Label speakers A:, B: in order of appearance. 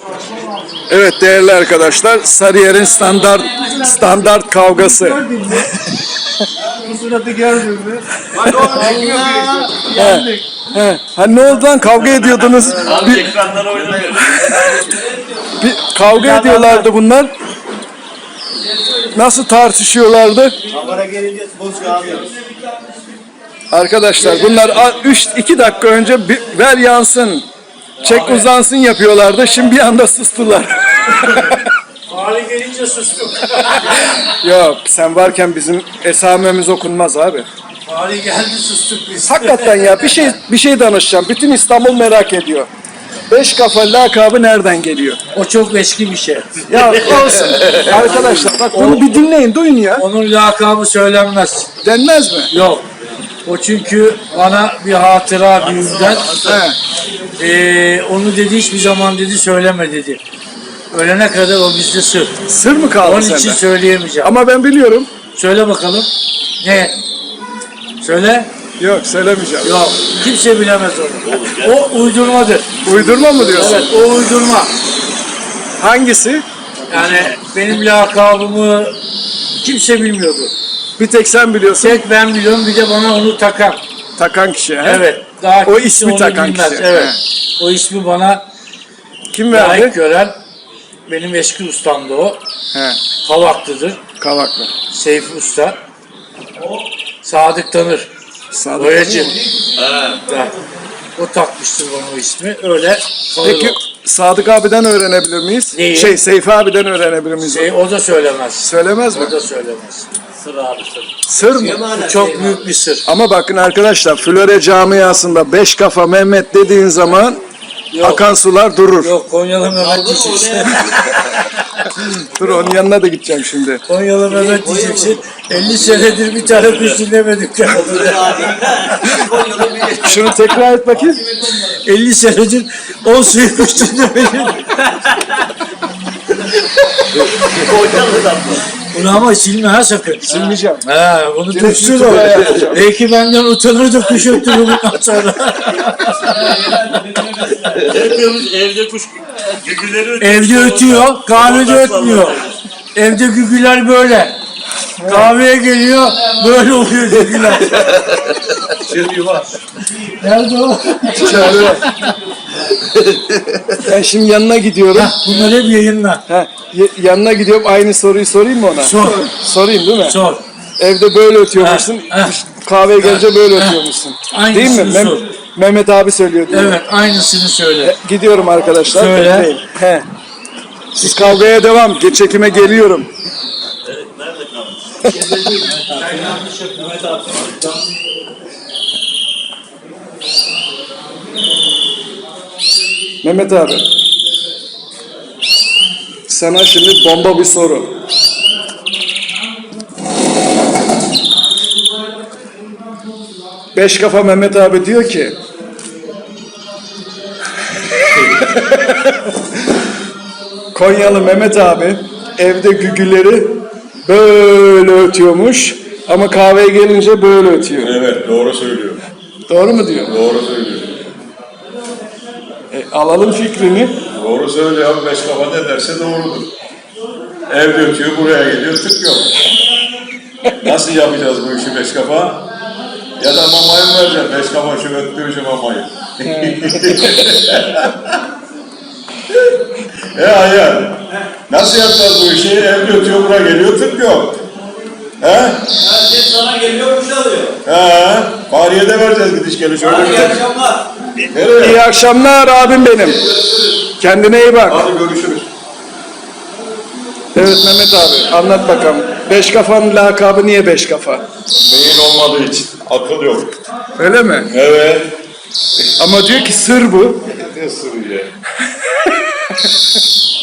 A: Evet değerli arkadaşlar, Sarıyer'in standart kavgası.
B: Bu suratı gördün mü?
A: Ha ne oldu lan, kavga ediyordunuz?
C: Ekranlara oynamıyor.
A: Bir kavga ediyorlardı bunlar. Nasıl tartışıyorlardı?
C: Kamera gelince boş kalıyoruz.
A: Arkadaşlar bunlar 2 dakika önce ver yansın, çek uzansın yapıyorlardı. Şimdi bir anda sustular.
B: Hali gelince sustuk.
A: Yok, sen varken bizim esamemiz okunmaz abi.
B: Hali geldi sustuk biz.
A: Hakikaten ya, bir şey danışacağım. Bütün İstanbul merak ediyor. Beş kafa lakabı nereden geliyor?
B: O çok eski bir şey.
A: Ya olsun. Arkadaşlar bak bunu bir dinleyin, duyun ya.
B: Onun lakabı söylenmez.
A: Denmez mi?
B: Yok. O çünkü bana bir hatıra büyüğümden. Onu dedi hiçbir zaman dedi söyleme dedi. Ölene kadar o bizde sır.
A: Sır mı kaldı
B: Onun
A: sende?
B: için söyleyemeyeceğim.
A: Ama ben biliyorum.
B: Söyle bakalım. Ne? Söyle.
A: Yok, söylemeyeceğim.
B: Yok. Kimse bilemez onu. O uydurmadır.
A: Uydurma mı diyorsun?
B: Evet, o uydurma.
A: Hangisi?
B: Yani benim lakabımı kimse bilmiyordu.
A: Bir tek sen biliyorsun.
B: Tek ben biliyorum, bir de bana onu takan.
A: Takan kişi. He?
B: Evet. Daha
A: O
B: kimse
A: ismi
B: onu
A: takan
B: bilmez.
A: kişi.
B: Evet.
A: He.
B: O ismi bana
A: Kim
B: layık
A: verdi?
B: gören benim eski ustamdı o.
A: He.
B: Kavaklıdır.
A: Kavaklı.
B: Seyfi Usta. Sadık Tanır.
A: Sadık.
B: Boyacı. Evet. O takmıştır bana o ismi. Öyle kalır
A: Peki
B: o.
A: Sadık abiden öğrenebilir miyiz?
B: Neyi?
A: Seyfi abiden öğrenebilir miyiz?
B: O da söylemez.
A: Söylemez mi?
B: O da söylemez.
C: Sır abi sır.
A: Sır mı?
B: Bu çok büyük bir sır.
A: Ama bakın arkadaşlar, Flore camiasında beş kafa Mehmet dediğin zaman akan sular durur.
B: Yok, Konyalı Mehmet diyeceksin.
A: Dur, onun yanına da gideceğim şimdi.
B: Konyalı Mehmet diyeceksin. 50 senedir bir tane kuş dinlemedik.
A: Şunu tekrar et bakayım.
B: 50 senedir 10 suyu kuş dinlemedik.
C: Konyalı'dan mı?
B: Bunu ama silme ha sakın.
A: Silmeyeceğim.
B: Ha, bunu tutsun o.
A: YouTube'a yapacağım.
B: Belki benden utanır da kuş öttürür bundan sonra.
C: Yapıyormuş evde kuş gügüleri ötüyor.
B: Evde ötüyor, kahvede ötmüyor. Evde gügüler böyle. Kahveye geliyor, böyle oluyor gügüler.
C: Şimdi var.
B: Nerede o?
A: İçeride. Ben şimdi yanına gidiyorum.
B: Bunlar hep yayınla.
A: Yanına gidiyorum, aynı soruyu sorayım mı ona?
B: Sor.
A: Sorayım değil mi?
B: Sor.
A: Evde böyle ötüyormuşsun. Kahveye gelince böyle ötüyormuşsun. Değil mi?
B: Aynısını sor.
A: Mehmet abi söylüyor diyor.
B: Evet, aynısını söyle.
A: Gidiyorum arkadaşlar.
B: Söyle.
A: Bekleyin. He. Siz kavgaya devam. Çekime geliyorum.
C: Nerede kalmış? Mehmet abi.
A: Mehmet abi. Sana şimdi bomba bir soru. Beş kafa Mehmet abi diyor ki Konyalı Mehmet abi evde gügüleri böyle ötüyormuş ama kahveye gelince böyle ötüyor.
D: Evet, doğru söylüyor.
A: Doğru mu diyor?
D: Doğru söylüyor.
A: Alalım fikrini.
D: Doğru söylüyor abi, beş kafa ne derse doğrudur. Evde ötüyor, buraya geliyor, tık yok. Nasıl yapacağız bu işi beş kafa? Ya da mamayı mı vereceksin? Beş kafa şu öttüğü şu mamayı. Hayır. Nasıl yapacağız bu işi? Evde ötüyor, buraya geliyor, tık yok. He?
C: Herkes sana geliyor kuş alıyor.
D: He? Fahriye de vereceğiz gidiş geliş. Öyle
C: Hadi
D: bir
C: iyi akşamlar.
D: Nereye?
A: İyi akşamlar abim benim. Kendine iyi bak.
D: Hadi görüşürüz.
A: Evet Mehmet abi, anlat bakalım. Beş kafanın lakabı niye beş kafa?
D: Beyin olmadığı için. Akıl yok.
A: Öyle mi?
D: Evet.
A: Ama diyor ki sır bu.
D: Ne sırrı ya?